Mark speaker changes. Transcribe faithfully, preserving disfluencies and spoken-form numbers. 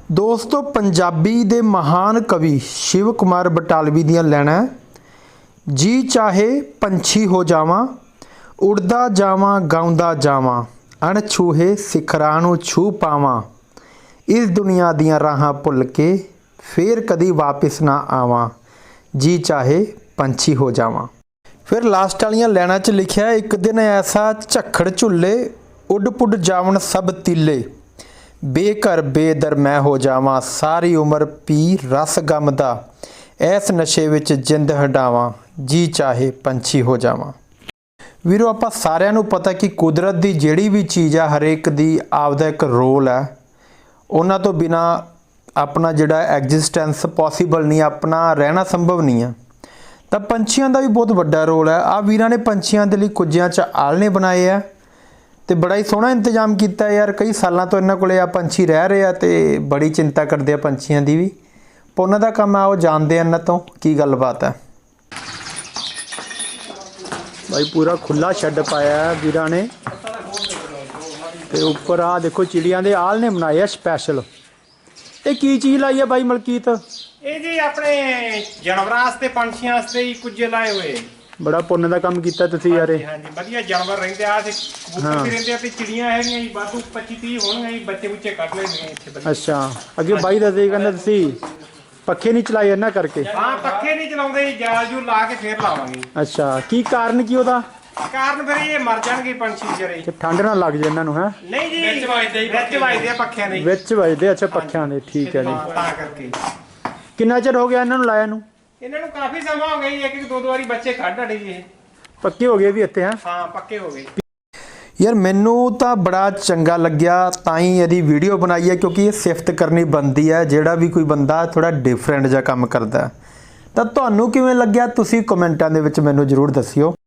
Speaker 1: दोस्तों पंजाबी दे महान कवि शिव कुमार बटालवी दियां लाइनां जी चाहे पंछी हो जावां उड़दा जावां गाउंदा जावां अणछूहे सिखरां नूं छू पावां इस दुनिया दियां राहां भुल के फिर कदी वापस ना आवां जी चाहे पंछी हो जावां। फिर लास्ट वालियां लाइनां च लिखिया एक दिन ऐसा झक्खड़ झुल्ले उड पुड जावन सब तीले बेघर बेदर मैं हो जावां सारी उम्र पी रस गम दा ऐस नशे विच जिंद हटावां जी चाहे पंछी हो जावां। वीरो आपां सारिआं नूं पता कि कुदरत दी जिहड़ी भी चीज़ आ हरेक दी आपदा एक रोल है, उन्हां तो बिना अपना जिहड़ा एग्जिस्टेंस पॉसीबल नहीं, अपना रहना संभव नहीं है। तो पंछियों का भी बहुत वड्डा रोल है। आ वीरां ने पंछियों के लिए कुजियां च आलने बनाए है तो बड़ा ही सोहना इंतजाम किया यार। कई सालों तो इन्होंने को आ पंछी रह रहे हैं तो बड़ी चिंता करते हैं पंछियों की भी। पर उन्हों का काम आओ जानते हैं इन्हों तो की गलबात है। भाई पूरा खुला शैड पाया है वीरां ने तो उपर आ देखो चिड़ियां दे आलने बनाए स्पैशल। ये की चीज़ लाई है भाई मलकीत?
Speaker 2: ये जी अपने जानवरां वास्ते पंछियां वास्ते ही कुछ लाए हुए।
Speaker 1: बड़ा पुण्य का काम किया तुसीं यार।
Speaker 2: हाँ जी वधिया जानवर रहिंदे आ ते कबूतर भी रहिंदे आ ते चिड़ियां हैगियां जी वाधू पच्चीस तीस होणगीਆਂ जी बच्चे बुच्चे कढ लेंगे इत्थे वधिया।
Speaker 1: अच्छा अगे बाई दसदे कहंदे तुसीं पक्खे नहीं चलाए इन्हां करके?
Speaker 2: हाँ पक्खे नहीं चलाउंदे जी जाल जूल ला के फिर लावांगे।
Speaker 1: अच्छा की कारण की ओदा?
Speaker 2: कारण फिर ये मर जाणगे पंछी जरे
Speaker 1: ठंड ना लग जाए इन्हां नूं है?
Speaker 2: नहीं जी विच वजदे ही विच वजदे आ पक्खियां दे
Speaker 1: विच वजदे। अच्छा पक्खियां दे ठीक है जी।
Speaker 2: तां करके
Speaker 1: किन्ना चिर हो गया इन्हां नूं लाया नूं?
Speaker 2: इन्हां नूं काफी समा हो गया जी। एक एक दो दो वारी बच्चे कढ हटे जी।
Speaker 1: पक्के हो गए भी इत्थे हैं?
Speaker 2: हाँ पक्के हो गए
Speaker 1: यार। मैनू तो बड़ा चंगा लग्या ताई यदि वीडियो बनाई है क्योंकि ये सिफत करनी बनती है जोड़ा भी कोई बंदा थोड़ा डिफरेंट जा काम करता है। तो तुहानू किवें लग्या तुसीं कमेंटां दे विच मैनू जरूर दस्सिओ।